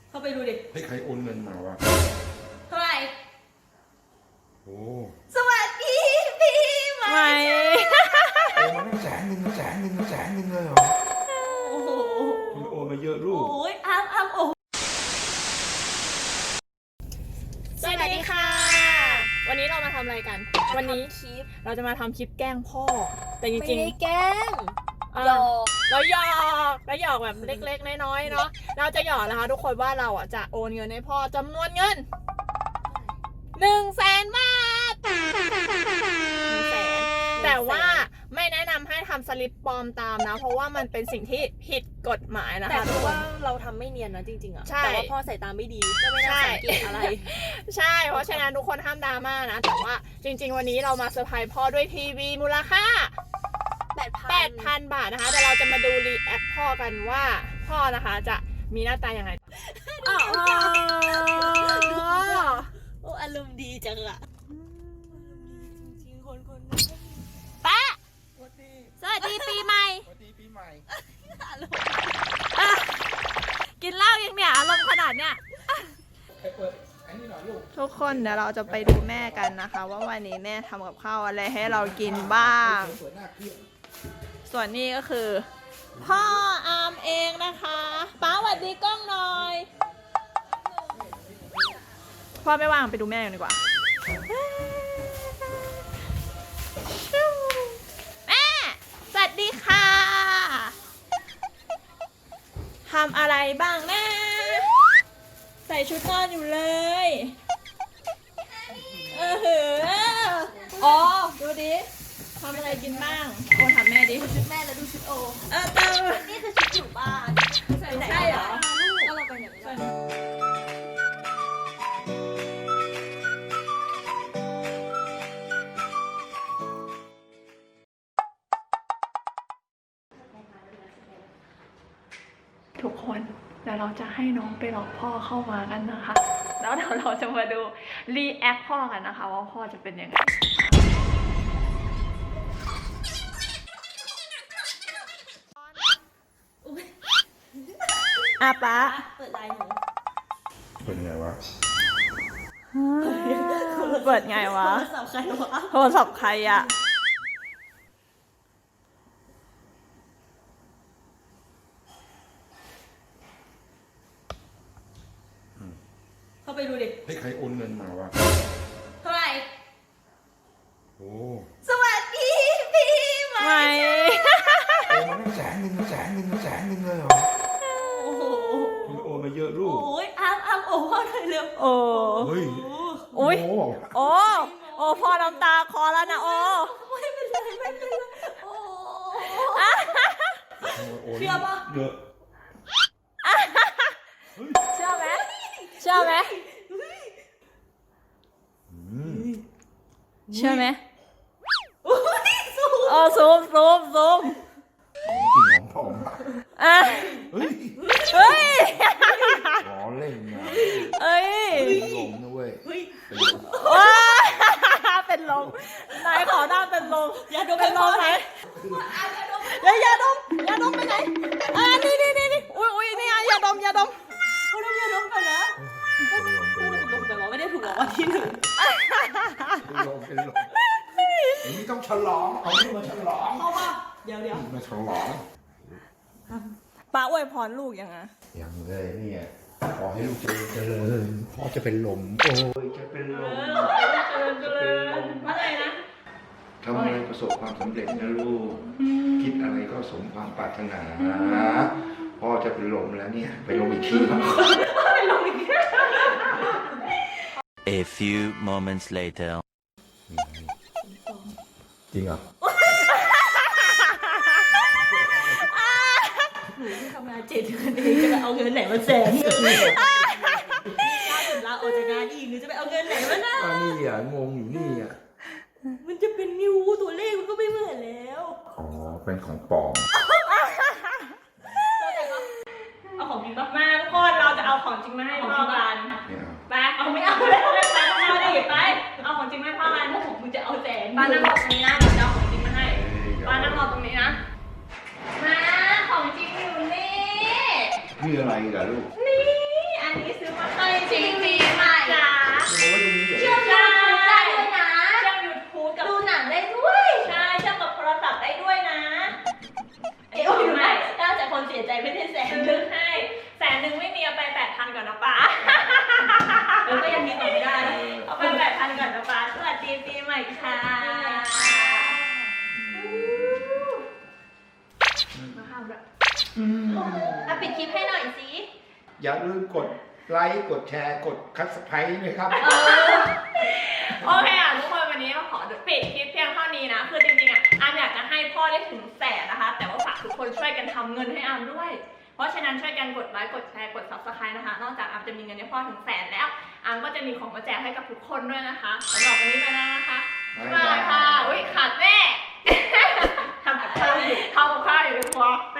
เข้าไปดูดิให้ใครโอนเงินมาวะเท่าไหร่โอ้สวัสดีพี่ไหมโอนมาตั้ง100,000เลยเหรอโอ้โหคุณโอนมาเยอะลูกโอ้ยอ้ำโอ้สวัสดีค่ะวันนี้เรามาทำอะไรกันวันนี้เราจะมาทำคลิปแกล้งพ่อแต่จริงๆไม่ได้แกล้งหยอกแล้วหยอกแบบเล็กๆน้อยๆเนาะเราจะหยอกนะคะทุกคนว่าเราอ่ะจะโอนเงินให้พ่อจำนวนเงิน100,000 บาท100,000แต่ว่าไม่แนะนำให้ทำสลิปปลอมตามนะเพราะว่ามันเป็นสิ่งที่ผิดกฎหมายนะคะแต่ว่าเราทำไม่เนียนนะจริงๆอ่ะแต่ว่าพ่อใส่ตาไม่ดีก็ไม่น่าสังเกตอะไรใช่เพราะฉะนั้นทุกคนห้ามดราม่านะแต่ว่าจริงๆวันนี้เรามาเซอร์ไพรส์พ่อด้วยทีวีมูลค่า8,000 บาทนะคะแต่เราจะมาดูรีแอคพ่อกันว่าพ่อนะคะจะมีหน้าตายังไงโอ้อารมณ์ดีจังอะจริงคนป้าสวัสดีปีใหม่กินเหล้ายังเนี่ยอารมณ์ขนาดเนี้ยทุกคนเดี๋ยวเราจะไปดูแม่กันนะคะว่าวันนี้แม่ทำกับข้าวอะไรให้เรากินบ้างส่วนนี้ก็คือพ่ออามเองนะคะป้าสวัสดีกล้องหน่อยพ่อไม่ว่างไปดูแม่กันดีกว่าแม่สวัสดีค่ะทำอะไรบ้างแม่ใส่ชุดนอนอยู่เลยอ๋อดูดิทำอะไรกินบ้างโอถามแม่ดิชุดแม่แล้วดูชุดโอนี่คือชุดอยู่บ้านใส่ไหนใช่เหรอก็เราไปไหนไม่ได้ทุกคนเดี๋ยวเราจะให้น้องไปหลอกพ่อเข้ามากันนะคะแล้วเดี๋ยวเราจะมาดูรีแอคพ่อกันนะคะว่าพ่อจะเป็นยังไงป๊าเปิดไลน์หนูเปิดไงวะเปิดไงวะโทรศัพท์ใครอะเข้าไปดูดิให้ใครโอนเงินมาวะเท่าไหร่โอ้สวัสดีพี่ไหมโอนมาตั้ง100,000เลยเหรอโอ้โหคุณโอนมาเยอะลูกโอ้ยอ้ำโอ้พ่อหน่อยเร็วโอ้เฮ้ยโอ้พ่อน้ำตาคอแล้วนะโอ้ไม่เป็นไรโอ้เชื่อปะเยอะเชื่อไหมเชื่อไหมซูมจริงของพ่อมาเฮ้ยล้อเล่นนะลมนะเว้ยเป็นลมนายขอหน้าเป็นลมอย่าดมเป็นลมไหมอย่าดมไปไหนนี่อุ้ยนี่อย่าดมเขาดมอย่าดมก่อนนะดมแต่ว่าไม่ได้ถูกรางวัลที่ 1 เป็นลมอันนี้ต้องฉลองเอานี่มาฉลองเข้าป่ะเดี๋ยวมาฉลองป้าอวยพรลูกยังไงยังเลยเนี่ยขอให้ลูกเจริญพ่อจะเป็นลมโอ้ยจะเป็นลมเจริญอะไรนะทำอะไรประสบความสำเร็จนะลูกคิดอะไรก็สมความปรารถนาพ่อจะเป็นลมแล้วเนี่ยไปลมอีกทีไปลมอีกที A few moments later จริงเหรอหนูที่ทำงาน7 เดือนเองจะเอาเงินไหนมา100,000ลาออกจากงานอีกหนูจะไปเอาเงินไหนมานะนี่อ่ะงงอยู่นี่อ่ะมันจะเป็นนิ้วตัวเลขมันก็ไม่เหมือนแล้วอ๋อเป็นของปลอมเอาของจริงมาทุกคนเราจะเอาของจริงมาให้พ่อกันไปเอาไม่เอาเลยไปเอาดิไปเอาของจริงให้พ่อกันถ้าผมมึงจะเอา100,000ป้านั่งรอตรงนี้นะเดี๋ยวจะเอาของจริงมาให้ป้านั่งรอตรงนี้นะมาของจริงอยู่นี่คืออะไรกันลูกนี่อันนี้จริงใหม่จ้าเอาไว้ตรงนี้เหรอเชื่อมยูทูบได้ด้วยนะเชื่อม YouTube กับดูหนังได้ด้วยใช่เชื่อมกับโทรศัพท์ได้ด้วยนะเอ้ยไม่ถ้าแต่คนเสียใจไม่ได้แสนนึงให้100,000ไม่มีเอาไป8,000ก่อนนะป๊าก็ยังมีต่อไม่ได้เอาไป8,000ก่อนนะป๊าสวัสดีปีใหม่ค่ะมาห้ามด้วยปิดคลิปให้หน่อยสิอย่าลืมกดไลค์กดแชร์กดคัสไพรต์นะครับโอเคอ่ะทุกคนวันนี้ก็ขอปิดคลิปเพียงเท่านี้นะคือจริงๆอ่ะอามอยากจะให้พ่อได้ถึง100,000นะคะแต่ว่าฝากทุกคนช่วยกันทำเงินให้อามด้วยเพราะฉะนั้นช่วยกันกดไลค์กดแชร์กด Subscribe นะคะนอกจากอามจะมีเงินให้พ่อถึง100,000แล้วอามก็จะมีของมาแจกให้กับทุกคนด้วยนะคะสำหรับวันนี้ไปแล้วนะคะบ๊ายบายค่ะอุ้ยขาดแม่ทำกับข้าวอยู่ทำกับข้าวอยู่ในครัวไป